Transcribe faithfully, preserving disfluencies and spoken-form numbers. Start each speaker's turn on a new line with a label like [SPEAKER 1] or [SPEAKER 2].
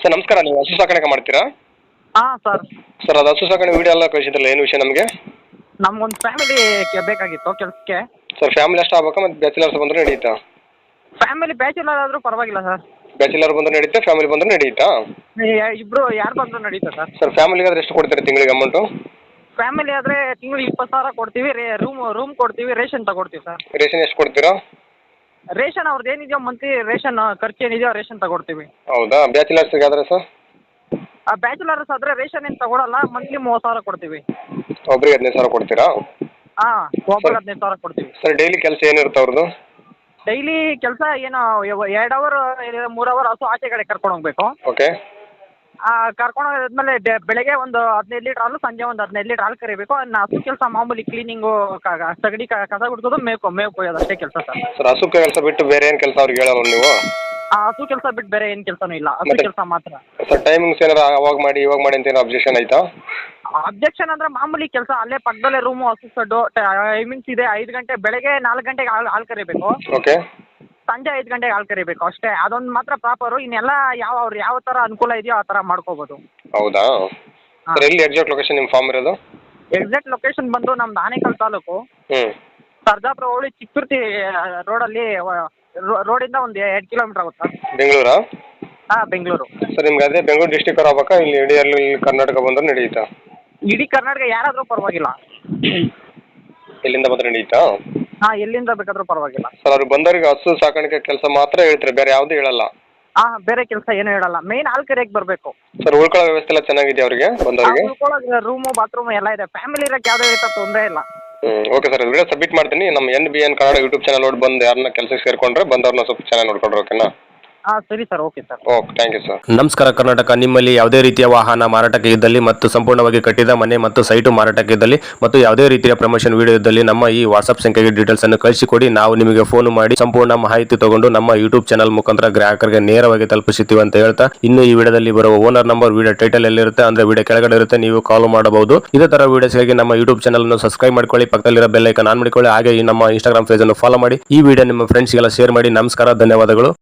[SPEAKER 1] Sir ನಮಸ್ಕಾರ, ನೀವು ಹಸು ಸಾಕಾಣಿಕೆ ಮಾಡ್ತೀರಾ?
[SPEAKER 2] ಹಾಂ ಸರ್.
[SPEAKER 1] ಸರ್ ಅದು ಹಸು ಸಾಕಾಣೆ ವಿಡಿಯೋ ಎಲ್ಲ ಕಳಿಸಿದ್ರಲ್ಲ, ಏನು ವಿಷಯ ನಮಗೆ?
[SPEAKER 2] ನಮ್ಗೊಂದು ಫ್ಯಾಮಿಲಿ ಬೇಕಾಗಿತ್ತು ಕೆಲಸಕ್ಕೆ.
[SPEAKER 1] ಸರ್ ಫ್ಯಾಮಿಲಿ ಅಷ್ಟು ಆಗ್ಬೇಕಾ ಮತ್ತು ಬ್ಯಾಚುಲರ್ಸ್ ಬಂದರೆ ನಡೆಯುತ್ತಾ?
[SPEAKER 2] ಫ್ಯಾಮಿಲಿ ಬ್ಯಾಚುಲರ್ ಆದರೂ ಪರವಾಗಿಲ್ಲ ಸರ್.
[SPEAKER 1] ಬ್ಯಾಚುಲರ್ ಬಂದರೆ ನಡೆಯುತ್ತೆ, ಫ್ಯಾಮಿಲಿ ಬಂದರೆ ನಡೆಯುತ್ತಾ?
[SPEAKER 2] ಇಬ್ಬರು ಯಾರು ಬಂದರೂ ನಡೀತಾ ಸರ್.
[SPEAKER 1] ಸರ್ ಫ್ಯಾಮಿಲಿಗೆ ಆದರೆ ಎಷ್ಟು ಕೊಡ್ತೀರಾ ತಿಂಗಳಿಗೆ ಅಮೌಂಟು?
[SPEAKER 2] ಫ್ಯಾಮಿಲಿ ಆದರೆ ತಿಂಗಳಿಗೆ ಇಪ್ಪತ್ತು ಸಾವಿರ ಕೊಡ್ತೀವಿ. ರೇ ರೂಮ್ ರೂಮ್ ಕೊಡ್ತೀವಿ, ರೇಷನ್ ತಗೊಡ್ತೀವಿ ಸರ್.
[SPEAKER 1] ರೇಷನ್ ಎಷ್ಟು ಕೊಡ್ತೀರಾ?
[SPEAKER 2] ರೇಷನ್ ಅವ್ರದ್ದು ಏನಿದೆಯೋ ಮಂತ್ಲಿ ರೇಷನ್ ಖರ್ಚು ಏನಿದೆಯೋ ರೇಷನ್ ತಗೊಡ್ತೀವಿ.
[SPEAKER 1] ಹೌದಾ, ಬ್ಯಾಚುಲರ್ಸ್ಗೆ ಆದರೆ ಸರ್?
[SPEAKER 2] ಆ ಬ್ಯಾಚುಲರ್ಸ್ ಆದರೆ ರೇಷನ್ ಏನು ತಗೊಳಲ್ಲ, ಮಂತ್ಲಿ ಮೂವತ್ತು ಸಾವಿರ ಕೊಡ್ತೀವಿ.
[SPEAKER 1] ಒಬ್ರಿಗೆ ಹದಿನೈದು ಸಾವಿರ ಕೊಡ್ತೀರಾ?
[SPEAKER 2] ಹಾಂ, ಒಬ್ಬರಿಗೆ ಹದಿನೈದು ಸಾವಿರ ಕೊಡ್ತೀವಿ.
[SPEAKER 1] ಸರ್ ಡೈಲಿ ಕೆಲಸ ಏನಿರುತ್ತೆ ಅವ್ರದ್ದು?
[SPEAKER 2] ಡೈಲಿ ಕೆಲಸ ಏನು ಎರಡು ಅವರ್ ಮೂರು ಅವರ್ ಹಸು ಆಚೆ ಕಡೆ ಕರ್ಕೊಂಡು ಹೋಗ್ಬೇಕು.
[SPEAKER 1] ಓಕೆ.
[SPEAKER 2] ಕರ್ಕೊಂಡು ಹೋದ್ಮೇಲೆ ಬೆಳಗ್ಗೆ ಒಂದು ಹದಿನೈದು ಲೀಟ್ರ್ ಹಾಲು, ಸಂಜೆ ಒಂದು ಹದಿನೈದು ಲೀಟ್ರ್ ಹಾಲು ಕರಿಬೇಕು. ಇನ್ನು ಹಸು ಕೆಲಸ ಮಾಮೂಲಿ ಕ್ಲೀನಿಂಗು, ಸಗಡಿ ಕಸ ಗುಡ್ಸೋದು, ಮೇವು ಮೇವು ಕೊಯ್ಯೋದು ಅಷ್ಟೇ ಕೆಲಸ ಸರ್.
[SPEAKER 1] ಸರ್ ಹಸು ಕೆಲಸ ಬಿಟ್ಟು ಬೇರೆ ಏನು ಕೆಲಸ ಅವ್ರಿಗೆ ಹೇಳಲ್ಲ ನೀವು?
[SPEAKER 2] ಆ ಹಸು ಕೆಲಸ ಬಿಟ್ಟು ಬೇರೆ ಏನು ಕೆಲಸನೂ ಇಲ್ಲ, ಹಸು ಕೆಲಸ ಮಾತ್ರ.
[SPEAKER 1] ಸರ್ ಟೈಮಿಂಗ್ಸ್ ಏನಾರು ಅವಾಗ ಮಾಡಿ ಇವಾಗ ಮಾಡಿ ಅಂತ ಏನೋ ಅಬ್ಜೆಕ್ಷನ್ ಆಯ್ತಾ?
[SPEAKER 2] ಅಬ್ಜೆಕ್ಷನ್ ಅಂದರೆ ಮಾಮೂಲಿ ಕೆಲಸ, ಅಲ್ಲೇ ಪಕ್ಕದಲ್ಲೇ ರೂಮು, ಹಸು ಸಡ್ಡು, ಟೈಮಿಂಗ್ಸ್ ಇದೆ. ಐದು ಗಂಟೆ ಬೆಳಗ್ಗೆ ನಾಲ್ಕು ಗಂಟೆಗೆ ಹಾಲು ಹಾಲು ಕರಿಬೇಕು.
[SPEAKER 1] ಓಕೆ.
[SPEAKER 2] ಸಂಜೆ ಐದು ಗಂಟೆಗೆ ಹಾಲು ಕರಿಬೇಕು ಅಷ್ಟೇ. ಅದೊಂದು ಮಾತ್ರ ಪ್ರಾಪರು. ಇನ್ನೆಲ್ಲ ಯಾವ ಅವ್ರು ಯಾವ ಥರ ಅನುಕೂಲ ಇದೆಯೋ ಆ ಥರ ಮಾಡ್ಕೋಬೋದು.
[SPEAKER 1] ಹೌದಾ? ಸರ್ ಎಲ್ಲಿ ಎಕ್ಸಾಕ್ಟ್ ಲೊಕೇಶನ್ ನಿಮ್ಮ ಫಾರ್ಮ್ ಇರೋದು?
[SPEAKER 2] ಎಕ್ಸಾಕ್ಟ್ ಲೊಕೇಶನ್ ಬಂದು ನಮ್ದು ಆನೇಕಲ್ ತಾಲೂಕು,
[SPEAKER 1] ಹ್ಞೂ
[SPEAKER 2] ಸರ್ಜಾಪುರ ಹೋಳಿ ಚಿಕ್ಕುರ್ತಿ ರೋಡಲ್ಲಿ, ರೋಡಿಂದ ಒಂದು ಎರಡು ಕಿಲೋಮೀಟ್ರ್ ಆಗುತ್ತೆ.
[SPEAKER 1] ಬೆಂಗಳೂರಾ?
[SPEAKER 2] ಹಾಂ, ಬೆಂಗಳೂರು.
[SPEAKER 1] ಸರ್ ನಿಮ್ಗೆ ಅದೇ ಬೆಂಗಳೂರು ಡಿಸ್ಟಿಕ್ ಅವ್ರು ಆಗ್ಬೇಕಾ, ಇಲ್ಲಿ ಇಡೀ ಅಲ್ಲಿ ಕರ್ನಾಟಕ ಬಂದ್ರೆ ನಡೆಯುತ್ತಾ?
[SPEAKER 2] ಇಡೀ ಕರ್ನಾಟಕ ಯಾರಾದರೂ ಪರವಾಗಿಲ್ಲ.
[SPEAKER 1] ಎಲ್ಲಿಂದ ಬಂದ್ರೆ ನಡೆಯುತ್ತಾ?
[SPEAKER 2] ಹಾಂ, ಎಲ್ಲಿಂದ ಬೇಕಾದರೂ ಪರವಾಗಿಲ್ಲ.
[SPEAKER 1] ಸರ್ ಅವ್ರಿಗೆ ಬಂದವರಿಗೆ ಹಸು ಸಾಕಾಣಿಕೆ ಕೆಲಸ ಮಾತ್ರ ಹೇಳ್ತಾರೆ, ಬೇರೆ ಯಾವುದೂ ಹೇಳಲ್ಲ?
[SPEAKER 2] ಹಾಂ, ಬೇರೆ ಕೆಲಸ ಏನೂ ಹೇಳಲ್ಲ. ಮೇನ್ ಹಾಲು ಕರಿಯಕ್ಕೆ ಬರಬೇಕು.
[SPEAKER 1] ಸರ್ ಉಳ್ಕೊಳ್ಳೋ ವ್ಯವಸ್ಥೆ ಎಲ್ಲ ಚೆನ್ನಾಗಿದೆ ಅವರಿಗೆ ಬಂದವರಿಗೆ?
[SPEAKER 2] ಉಳ್ಕೊಳ್ಳೋದು ರೂಮು, ಬಾತ್ರೂಮು ಎಲ್ಲ ಇದೆ. ಫ್ಯಾಮಿಲಿ ಇರೋಕ್ಕೆ ಯಾವುದೇ ರೀತಿ ತೊಂದರೆ ಇಲ್ಲ.
[SPEAKER 1] ಹ್ಞೂ ಓಕೆ ಸರ್, ವಿಡಿಯೋ ಸಬ್ಮಿಟ್ ಮಾಡ್ತೀನಿ. ನಮ್ಮ N B N Kannada YouTube channel ನೋಡಿ ಬಂದು ಯಾರನ್ನ ಕೆಲಸಕ್ಕೆ ಸೇರಿಕೊಂಡ್ರೆ ಬಂದವ್ರನ್ನ ಸ್ವಲ್ಪ ಚೆನ್ನಾಗಿ ನೋಡ್ಕೊಂಡ್ರೆ ಓಕೆನಾ?
[SPEAKER 2] ಹಾಂ ಸರಿ sir, okay sir.
[SPEAKER 1] Okay, thank you sir.
[SPEAKER 3] ನಮಸ್ಕಾರ ಕರ್ನಾಟಕ. ನಿಮ್ಮಲ್ಲಿ ಯಾವುದೇ ರೀತಿಯ ವಾಹನ ಮಾರಾಟಕ್ಕೆ ಇದ್ದಲ್ಲಿ ಮತ್ತು ಸಂಪೂರ್ಣವಾಗಿ ಕಟ್ಟಿದ ಮನೆ ಮತ್ತು ಸೈಟು ಮಾರಾಟಕ್ಕೆ ಇದ್ದಲ್ಲಿ ಮತ್ತು ಯಾವುದೇ ರೀತಿಯ ಪ್ರಮೋಷನ್ ವಿಡಿಯೋ ಇದ್ದಲ್ಲಿ ನಮ್ಮ ಈ ವಾಟ್ಸ್ಆಪ್ ಸಂಖ್ಯೆಗೆ ಡೀಟೇಲ್ಸ್ ಅನ್ನು ಕಳಿಸಿಕೊಡಿ. ನಾವು ನಿಮಗೆ ಫೋನ್ ಮಾಡಿ ಸಂಪೂರ್ಣ ಮಾಹಿತಿ ತಗೊಂಡು ನಮ್ಮ ಯೂಟ್ಯೂಬ್ ಚಾನಲ್ ಮುಖಾಂತರ ಗ್ರಾಹಕರಿಗೆ ನೇರವಾಗಿ ತಲುಪಿಸುತ್ತೀವಿ ಅಂತ ಹೇಳ್ತಾ, ಇನ್ನು ಈ ವಿಡಿಯೋದಲ್ಲಿ ಬರುವ ಓನರ್ ನಂಬರ್ ವಿಡಿಯೋ ಟೈಟಲ್ ಎಲ್ಲಿರುತ್ತೆ ಅಂದ್ರೆ ವಿಡಿಯೋ ಕೆಳಗಡೆ ಇರುತ್ತೆ, ನೀವು ಕಾಲ್ ಮಾಡಬಹುದು. ಇದೇ ತರ ವಿಡಿಯೋಸ್ಗಾಗಿ ನಮ್ಮ ಯೂಟ್ಯೂಬ್ ಚಾನಲ್ ಅನ್ನು ಸಬ್ಸ್ಕ್ರೈಬ್ ಮಾಡ್ಕೊಳ್ಳಿ, ಪಕ್ಕದಲ್ಲಿರೋ ಬೆಲ್ ಐಕಾನ್ ಆನ್ ಮಾಡಿಕೊಳ್ಳಿ. ಹಾಗೆ ಈ ನಮ್ಮ ಇನ್ಸ್ಟಾಗ್ರಾಮ್ ಪೇಜ್ ಅನ್ನು ಫಾಲೋ ಮಾಡಿ. ಈ ವಿಡಿಯೋ ನಿಮ್ಮ ಫ್ರೆಂಡ್ಸ್ಗೆಲ್ಲ ಶೇರ್ ಮಾಡಿ. ನಮಸ್ಕಾರ, ಧನ್ಯವಾದಗಳು.